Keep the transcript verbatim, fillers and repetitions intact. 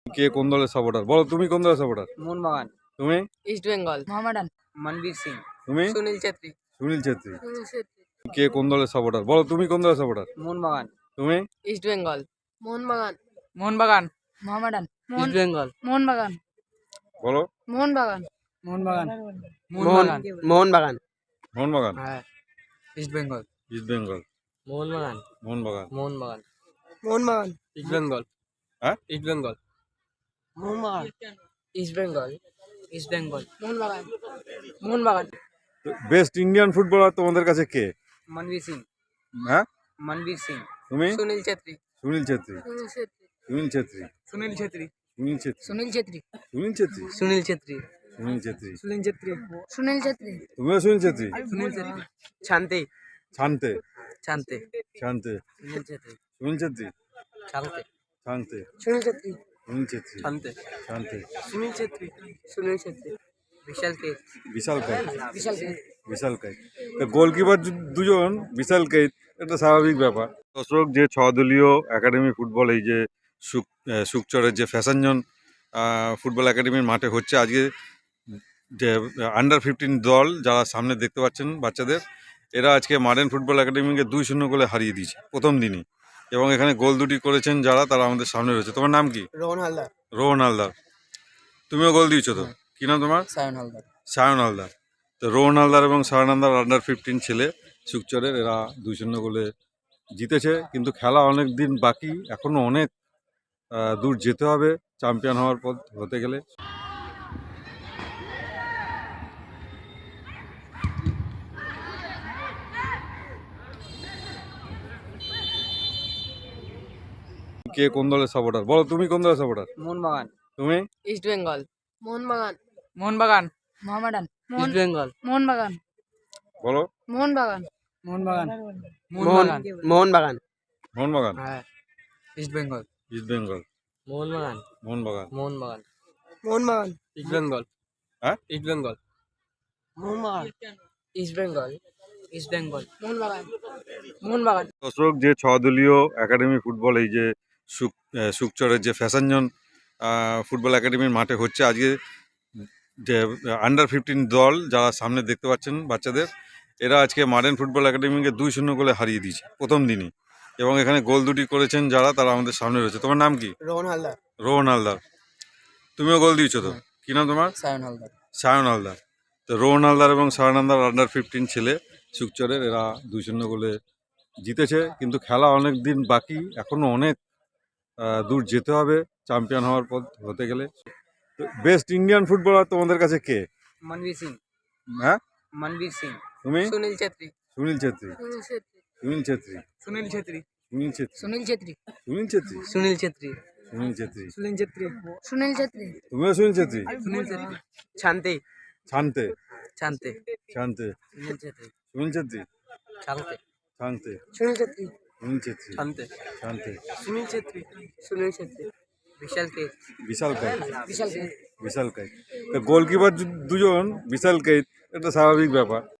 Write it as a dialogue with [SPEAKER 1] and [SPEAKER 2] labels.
[SPEAKER 1] কে কোন দলের সাপোর্টার? বলো তুমি কোন দলের সাপোর্টার?
[SPEAKER 2] মোহনবাগান,
[SPEAKER 1] তুমি?
[SPEAKER 2] ইস্ট বেঙ্গল, মোহামেডান, মনবীর সিং,
[SPEAKER 1] তুমি?
[SPEAKER 2] সুনীল ছেত্রী,
[SPEAKER 1] সুনীল ছেত্রী।
[SPEAKER 2] সুনীল ছেত্রী,
[SPEAKER 1] কে কোন দলের সাপোর্টার? বলো তুমি কোন দলের সাপোর্টার?
[SPEAKER 2] মোহনবাগান,
[SPEAKER 1] তুমি?
[SPEAKER 2] ইস্ট বেঙ্গল, মোহনবাগান, মোহনবাগান, মোহামেডান, ইস্ট বেঙ্গল, মোহনবাগান,
[SPEAKER 1] বলো।
[SPEAKER 2] মোহনবাগান, মোহনবাগান,
[SPEAKER 3] মোহনবাগান মোহনবাগান
[SPEAKER 1] মোহনবাগান,
[SPEAKER 2] হ্যাঁ, East Bengal,
[SPEAKER 1] East Bengal,
[SPEAKER 2] Mohun Bagan,
[SPEAKER 1] Mohun Bagan,
[SPEAKER 2] Mohun Bagan,
[SPEAKER 3] Mohun Bagan
[SPEAKER 2] East Bengal,
[SPEAKER 1] হ্যাঁ?
[SPEAKER 2] East Bengal,
[SPEAKER 3] Mohun Bagan
[SPEAKER 2] East Bengal, East Bengal, Mohun Bagan, Mohun Bagan,
[SPEAKER 1] best Indian footballer তোমাদের কাছে কে?
[SPEAKER 2] মনবীর সিং,
[SPEAKER 1] হ্যাঁ?
[SPEAKER 2] মনবীর সিং,
[SPEAKER 1] তুমি?
[SPEAKER 2] সুনীল ছেত্রী,
[SPEAKER 1] সুনীল ছেত্রী।
[SPEAKER 2] সুনীল ছেত্রী,
[SPEAKER 1] সুনীল ছেত্রী।
[SPEAKER 2] সুনীল ছেত্রী,
[SPEAKER 1] সুনীল ছেত্রী।
[SPEAKER 2] সুনীল ছেত্রী,
[SPEAKER 1] সুনীল ছেত্রী।
[SPEAKER 2] সুনীল ছেত্রী,
[SPEAKER 1] সুনীল ছেত্রী।
[SPEAKER 2] সুনীল ছেত্রী,
[SPEAKER 1] তুমিও সুনীল ছেত্রী?
[SPEAKER 2] সুনীল ছেত্রী,
[SPEAKER 3] শান্তি
[SPEAKER 1] শান্তে।
[SPEAKER 2] শান্তি,
[SPEAKER 1] শান্তে।
[SPEAKER 2] সুনীল ছেত্রী,
[SPEAKER 1] সুনীল ছেত্রী।
[SPEAKER 2] শান্তি,
[SPEAKER 1] শান্তে।
[SPEAKER 2] সুনীল ছেত্রী,
[SPEAKER 1] সুনীল ছেত্রী।
[SPEAKER 2] শান্তি,
[SPEAKER 1] শান্তে।
[SPEAKER 2] সুনীল ছেত্রী, সুনীল ছেত্রী, বিশাল কে,
[SPEAKER 1] বিশাল কাইত।
[SPEAKER 2] বিশাল কে,
[SPEAKER 1] বিশাল কাইত। গোলকিপার দুজন বিশাল কাইত, এটা স্বাভাবিক ব্যাপার। দর্শক, যে ছ দলীয় একাডেমি ফুটবল এই যে সুক সুকচরের যে ফ্যাশনজন ফুটবল একাডেমির মাঠে হচ্ছে আজকে, যে আন্ডার ফিফটিন দল যারা সামনে দেখতে পাচ্ছেন বাচ্চাদের, এরা আজকে মডার্ন ফুটবল একাডেমিকে দুই শূন্য গোলে হারিয়ে দিয়েছে প্রথম দিনই। এবং এখানে গোল দুটি করেছেন যারা, তারা আমাদের সামনে রয়েছে। তোমার নাম কি?
[SPEAKER 3] রোহন হালদার
[SPEAKER 1] রোহন হালদার। তুমিও গোল দিয়েছো তো? কি নাম তোমার?
[SPEAKER 2] সায়ন হালদার,
[SPEAKER 1] সায়ন হালদার। তো রোহন হালদার এবং সায়ন হালদার আন্ডার ফিফটিন ছেলে সুকচরের, এরা দুই শূন্য গোলে জিতেছে। কিন্তু খেলা অনেক দিন বাকি, এখনও অনেক আহ, দূর যেতে হবে চ্যাম্পিয়ন হওয়ার পর হতে গেলে। কে কোন দলের সাপোর্টার? বলো তুমি কোন দলের সাপোর্টার?
[SPEAKER 2] মোহনবাগান,
[SPEAKER 1] তুমি?
[SPEAKER 2] ইস্ট বেঙ্গল, মোহনবাগান, মোহনবাগান, মোহামেডান, ইস্ট বেঙ্গল, মোহনবাগান,
[SPEAKER 1] বলো।
[SPEAKER 2] মোহনবাগান, মোহনবাগান,
[SPEAKER 3] মোহন মোহনবাগান
[SPEAKER 1] মোহনবাগান,
[SPEAKER 2] হ্যাঁ, East Bengal,
[SPEAKER 1] East Bengal,
[SPEAKER 2] Mohun Bagan,
[SPEAKER 1] Mohun Bagan,
[SPEAKER 2] Mohun Bagan,
[SPEAKER 3] Mohun Bagan
[SPEAKER 2] East Bengal,
[SPEAKER 1] হ্যাঁ?
[SPEAKER 2] East Bengal,
[SPEAKER 3] Mohun Bagan
[SPEAKER 2] East Bengal, East Bengal, Mohun Bagan, Mohun Bagan,
[SPEAKER 1] দর্শক, যে ছ দলীয় একাডেমি ফুটবল এই যে সুক সুকচরের যে ফ্যাশনজন ফুটবল একাডেমির মাঠে হচ্ছে আজকে, যে আন্ডার ফিফটিন দল যারা সামনে দেখতে পাচ্ছেন বাচ্চাদের, এরা আজকে মডার্ন ফুটবল একাডেমিকে দুই শূন্য গোলে হারিয়ে দিয়েছে প্রথম দিনই। এবং এখানে গোল দুটি করেছেন যারা, তারা আমাদের সামনে রয়েছে। তোমার নাম কি?
[SPEAKER 3] রোহন হালদার
[SPEAKER 1] রোহন হালদার। তুমিও গোল দিয়েছো তো? কি নাম তোমার?
[SPEAKER 2] সায়ন হালদার,
[SPEAKER 1] সায়ন হালদার। তো রোহন হালদার এবং সায়ন হালদার আন্ডার ফিফটিন ছেলে সুকচরের, এরা দুই শূন্য গোলে জিতেছে। কিন্তু খেলা অনেক দিন বাকি, এখনও অনেক আহ, দূর যেতে হবে চ্যাম্পিয়ন হওয়ার পর হতে গেলে। বেস্ট ইন্ডিয়ান ফুটবলার তোমাদের কাছে কে?
[SPEAKER 2] মনবীর সিং,
[SPEAKER 1] হ্যাঁ?
[SPEAKER 2] মনবীর সিং,
[SPEAKER 1] তুমি?
[SPEAKER 2] সুনীল ছেত্রী,
[SPEAKER 1] সুনীল ছেত্রী।
[SPEAKER 2] সুনীল ছেত্রী,
[SPEAKER 1] সুনীল ছেত্রী।
[SPEAKER 2] সুনীল ছেত্রী,
[SPEAKER 1] সুনীল ছেত্রী।
[SPEAKER 2] সুনীল ছেত্রী,
[SPEAKER 1] সুনীল ছেত্রী।
[SPEAKER 2] সুনীল ছেত্রী,
[SPEAKER 1] সুনীল ছেত্রী।
[SPEAKER 2] সুনীল ছেত্রী,
[SPEAKER 1] তুমিও সুনীল ছেত্রী?
[SPEAKER 2] সুনীল ছেত্রী,
[SPEAKER 3] শান্তি
[SPEAKER 1] শান্তে।
[SPEAKER 2] শান্তি,
[SPEAKER 1] শান্তে।
[SPEAKER 2] সুনীল ছেত্রী,
[SPEAKER 1] সুনীল ছেত্রী।
[SPEAKER 2] শান্তি,
[SPEAKER 1] শান্তে।
[SPEAKER 2] সুনীল ছেত্রী,
[SPEAKER 1] সুনীল ছেত্রী।
[SPEAKER 2] শান্তি,
[SPEAKER 1] শান্তে।
[SPEAKER 2] সুনীল ছেত্রী, সুনীল ছেত্রী, বিশাল কে,
[SPEAKER 1] বিশাল কাইত।
[SPEAKER 2] বিশাল কে,
[SPEAKER 1] বিশাল কাইত। গোলকিপার দুজন বিশাল কাইত, এটা স্বাভাবিক ব্যাপার।